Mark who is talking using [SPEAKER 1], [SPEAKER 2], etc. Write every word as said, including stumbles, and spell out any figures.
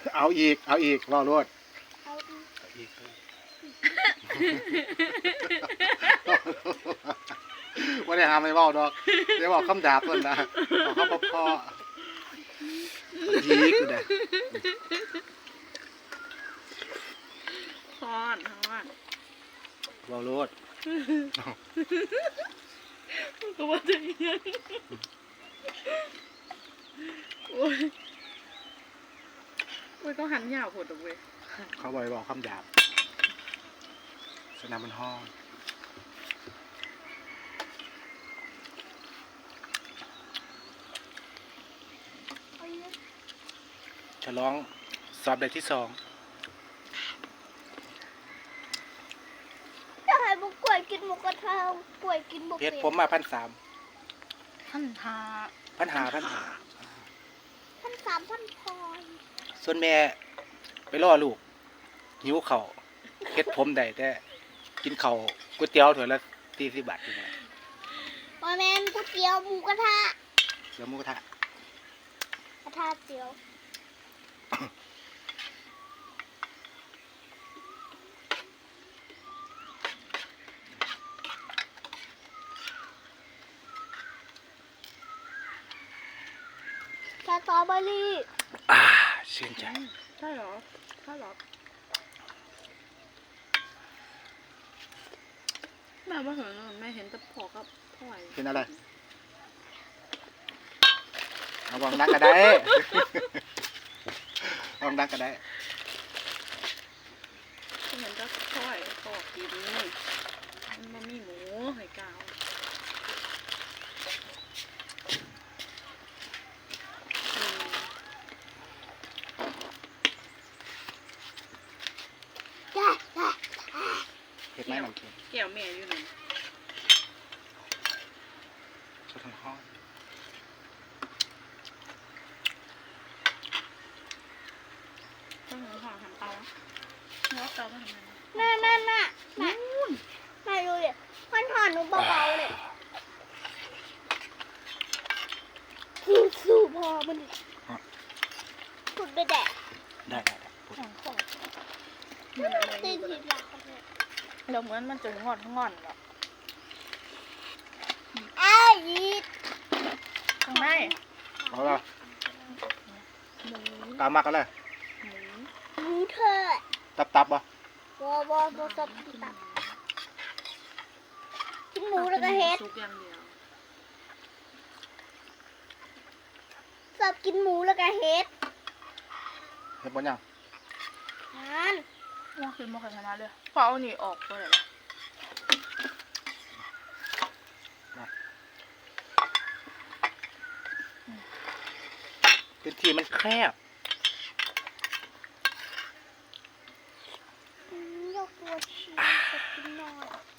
[SPEAKER 1] เอาอีกเอาอีกรอรวด
[SPEAKER 2] เอาอีก
[SPEAKER 1] เอาอีกว่าได้หาไม่เบ้าดอกเดี๋ยวบอกคำดาบเพิ่นนะบอกคำพ่อยีกอยู่เด้
[SPEAKER 3] ฮอนฮอน
[SPEAKER 1] รอรวด
[SPEAKER 3] ก็ว่าจะยังโอ้ยโอ้ยต้องหันยาวโหดตรงเว้ย
[SPEAKER 1] เขาบอกบอกคำดาบสนามมันห้องฉลองสอบเด็กที่สอง
[SPEAKER 2] จะให้บุกกล้วยกินหมูกระทะกล้วยกินบุก
[SPEAKER 1] เพชรผมมาพันสาม
[SPEAKER 3] พันหา
[SPEAKER 1] พันหาพันหา
[SPEAKER 2] พันสามพันพลอย
[SPEAKER 1] ส่วนแม่ไปล่อลูกหิวเข่าเพชรผมได้แต่กินเข่าก๋วยเตี๋ยวถ้วยละสี่สิบบาทอยู่นะ
[SPEAKER 2] มาแมนก๋วยเตี๋ยวหมูกระทะ
[SPEAKER 1] เดี๋ยวหมูกระทะ
[SPEAKER 2] กระทะเตี๋ยวสตรอเบอรี่
[SPEAKER 1] อ่าชื่นใจ
[SPEAKER 3] ใช่เหรอใช่เหรอแม่ว่าเห็นแม่เห็นแต่พอกับพ่อย
[SPEAKER 1] เป็นอะไรเอาวางดักก็ได้ วางดักก็ได้
[SPEAKER 3] เห็นแต่พ่อยพอกินมันบ่มีหมูให้กาว
[SPEAKER 1] เห็ดไม้หนังเค็ม
[SPEAKER 3] แก้วแม่อยู่ไหน
[SPEAKER 1] ชดทั้งห้อง
[SPEAKER 3] ต้องหนูห่อทำเตาเนาะเตาไม่ทำอะไร
[SPEAKER 2] น่าน่าน่าน่าน่าดูดิมันหอนหนูเบาๆเลยสู้สู้พอมันขุดไปแดก
[SPEAKER 1] ได้ได้ได้พูด
[SPEAKER 3] ของของ
[SPEAKER 2] ตีทีหลังกันเลย
[SPEAKER 3] เราเหมือนมันจะงอนงอนหรอ
[SPEAKER 2] ไอ้ยีด
[SPEAKER 3] ข้างใน
[SPEAKER 1] เอาละ
[SPEAKER 3] หมู
[SPEAKER 1] ตามมากันเลย
[SPEAKER 3] หมู
[SPEAKER 2] หมูเธอ
[SPEAKER 1] ตับตับบ่
[SPEAKER 2] วอวอวอตบตับกินหมูแล้วก็เฮ็ด
[SPEAKER 3] ซุกอย่างเดียว
[SPEAKER 2] ชอบกินหมูแล้วก็เฮ็ด
[SPEAKER 1] เห็ดบนยัง
[SPEAKER 2] นั่น
[SPEAKER 3] ว่าคือโมกขนาดเลยพอเอาหนีออกไปเลย
[SPEAKER 1] พื้นที่มันแคบ
[SPEAKER 2] อืมยกตัวชีจะกินหน่อย